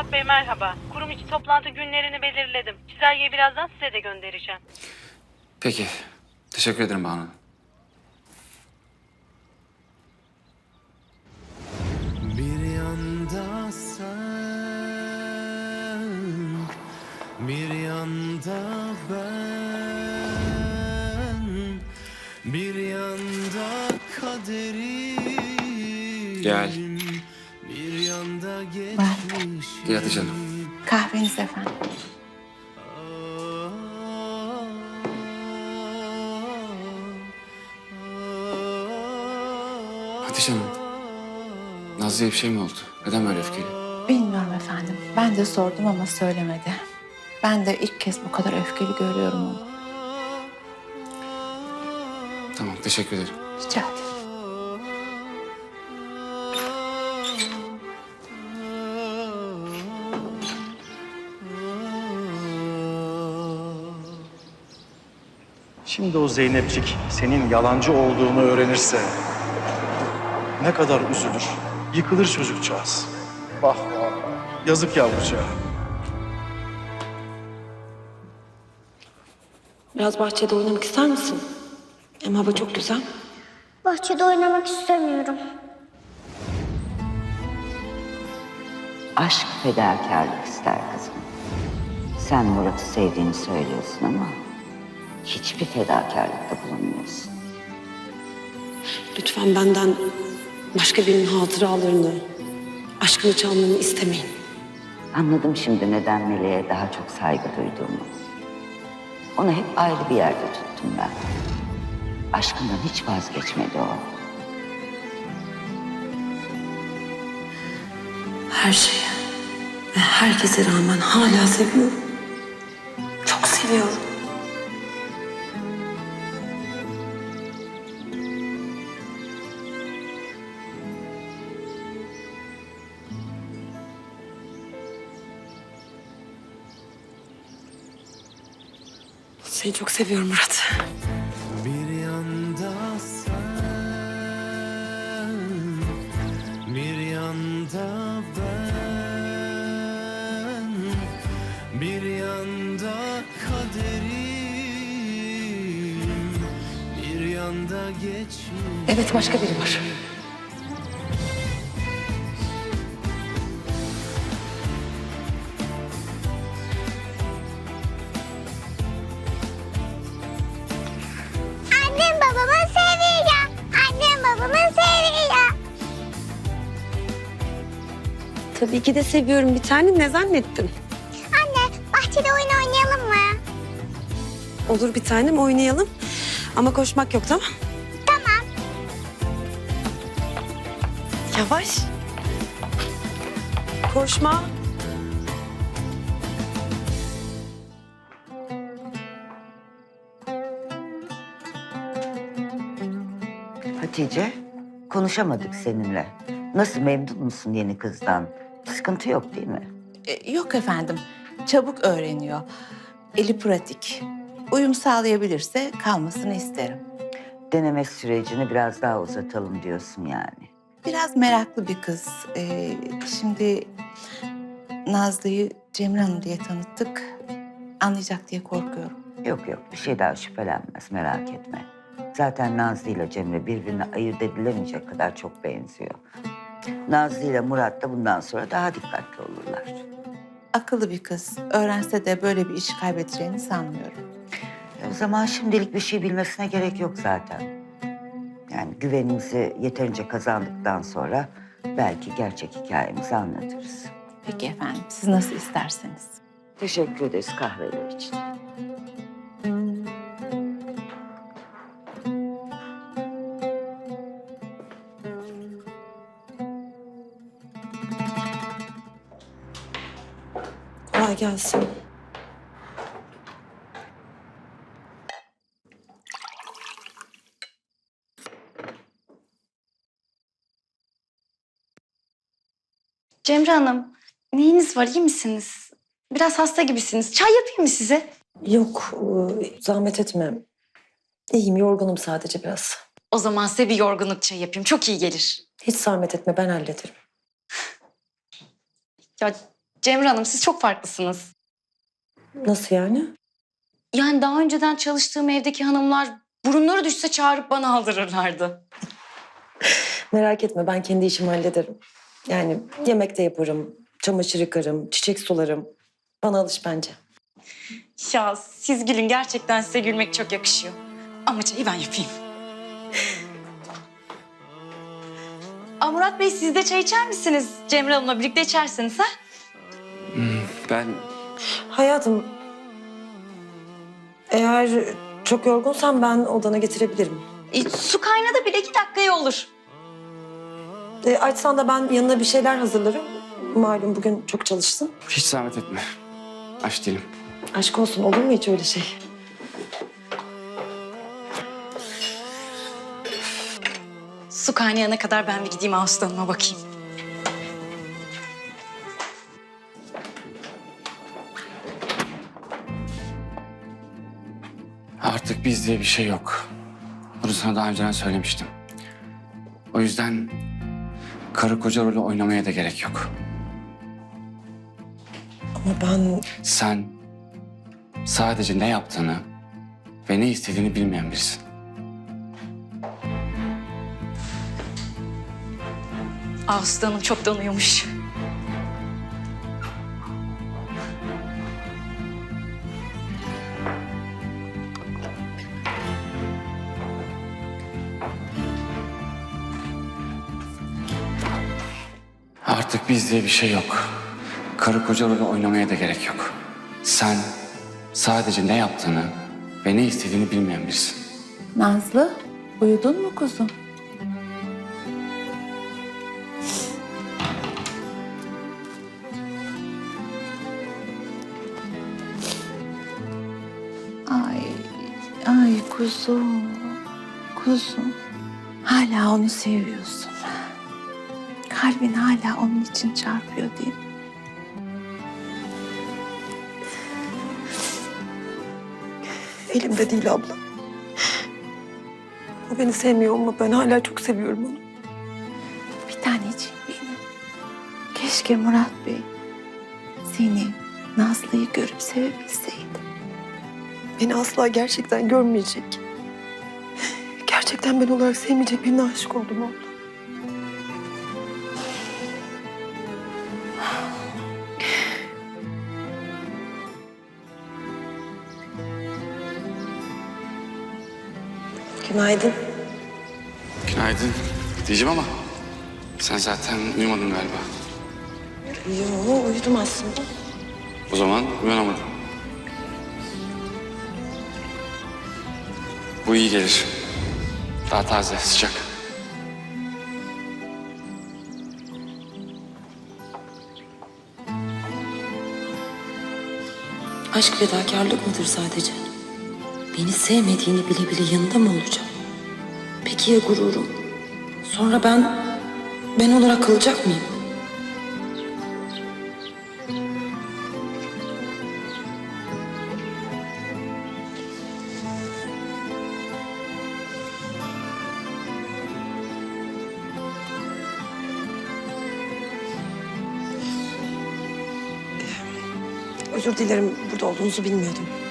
Murat Bey merhaba. Kurum içi toplantı günlerini belirledim. Çizelgeyi birazdan size de göndereceğim. Peki. Teşekkür ederim Banu Hanım. Bir yanda sen, bir yanda ben, bir yanda kaderim, Gel. bir yanda geçmişim. Gel hadi canım. Kahveniz efendim. Hadi canım. Nazlı'ya bir şey mi oldu? Neden böyle öfkeli? Bilmiyorum efendim. Ben de sordum ama söylemedi. Ben de ilk kez bu kadar öfkeli görüyorum onu. Tamam, teşekkür ederim. Rica ederim. Şimdi o Zeynepcik senin yalancı olduğunu öğrenirse ne kadar üzülür, yıkılır çocukcağız. Vah vah, yazık yavrucağa. Biraz bahçede oynamak ister misin? Hem hava çok güzel. Bahçede oynamak istemiyorum. Aşk fedakarlık ister kızım. Sen Murat'ı sevdiğini söylüyorsun ama hiçbir fedakarlıkta bulunmuyorsun. Lütfen benden başka birinin hatıralarını, aşkını çalmanı istemeyin. Anladım şimdi neden Meleğe daha çok saygı duyduğumu. Onu hep ayrı bir yerde tuttum ben. Aşkından hiç vazgeçmedi o. Her şeye ve herkese rağmen hala seviyorum. Çok seviyorum. Seni çok seviyorum Murat. Bir yanda sen, bir yanda ben, bir yanda kaderim, bir yanda geçmiş. Evet, başka biri var. Annem babamı seviyor. Annem babamı seviyor. Tabii ki de seviyorum bir tane. Ne zannettin? Anne bahçede oyun oynayalım mı? Olur bir tanem, oynayalım. Ama koşmak yok, tamam? Tamam. Yavaş. Koşma. Hatice, konuşamadık seninle. Nasıl, memnun musun yeni kızdan? Sıkıntı yok değil mi? Yok efendim. Çabuk öğreniyor. Eli pratik. Uyum sağlayabilirse kalmasını isterim. Deneme sürecini biraz daha uzatalım diyorsun yani. Biraz meraklı bir kız. Şimdi Nazlı'yı Cemre Hanım diye tanıttık. Anlayacak diye korkuyorum. Yok yok, bir şey daha şüphelenmez, merak etme. Zaten Nazlı ile Cemre birbirine ayırt edilemeyecek kadar çok benziyor. Nazlı ile Murat da bundan sonra daha dikkatli olurlar. Akıllı bir kız. Öğrense de böyle bir iş kaybedeceğini sanmıyorum. O zaman şimdilik bir şey bilmesine gerek yok zaten. Yani güvenimizi yeterince kazandıktan sonra belki gerçek hikayemizi anlatırız. Peki efendim, siz nasıl isterseniz. Teşekkür ederiz kahveler için. Kolay gelsin. Cemre Hanım, neyiniz var, iyi misiniz? Biraz hasta gibisiniz. Çay yapayım mı size? Yok, zahmet etme. İyiyim, yorgunum sadece biraz. O zaman size bir yorgunluk çayı yapayım. Çok iyi gelir. Hiç zahmet etme, ben hallederim. Ya Cemre Hanım siz çok farklısınız. Nasıl yani? Yani daha önceden çalıştığım evdeki hanımlar burunları düşse çağırıp bana aldırırlardı. Merak etme, ben kendi işimi hallederim. Yani yemek de yaparım, çamaşır yıkarım, çiçek sularım. Bana alış bence. Ya siz gülün, gerçekten size gülmek çok yakışıyor. Ama çayı ben yapayım. Aa, Murat Bey siz de çay içer misiniz? Cemre Hanım'la birlikte içersiniz ha? Ben Hayatım, eğer çok yorgunsan ben odana getirebilirim. Su kaynadı bile 2 dakikaya olur. Açsan da ben yanına bir şeyler hazırlarım. Malum bugün çok çalıştın. hiç zahmet etme. Aç değilim. Aşk olsun, olur mu hiç öyle şey? Su kaynayana kadar ben bir gideyim Ağustos Hanım'a bakayım. Artık biz diye bir şey yok. Bunu sana daha önceden söylemiştim. O yüzden karı koca rolü oynamaya da gerek yok. Ama ben... Sen sadece ne yaptığını ve ne istediğini bilmeyen birisin. Ağustos Hanım çoktan uyumuş. Artık biz diye bir şey yok. Karı koca rolü oynamaya da gerek yok. Sen sadece ne yaptığını ve ne istediğini bilmeyen birisin. Nazlı, uyudun mu kuzum? Ay kuzum, kuzum. Hala onu seviyorsun. Kalbin hala onun için çarpıyor değil mi? Elimde değil abla. O beni sevmiyor ama ben hala çok seviyorum onu. Bir taneciğim benim. Keşke Murat Bey seni, Nazlı'yı görüp sevebilseydi. Beni asla gerçekten görmeyecek. Gerçekten ben olarak sevmeyecek birine aşık oldum abla. Günaydın. Günaydın diyeceğim ama sen zaten uyumadın galiba. Yo, uyudum aslında. O zaman uyanamadın. Bu iyi gelir. Daha taze, sıcak. Aşk fedakarlık mıdır sadece? Beni sevmediğini bile bile yanında mı olacağım? Peki ya gururum? Sonra ben olarak kalacak mıyım? Özür dilerim, burada olduğunuzu bilmiyordum.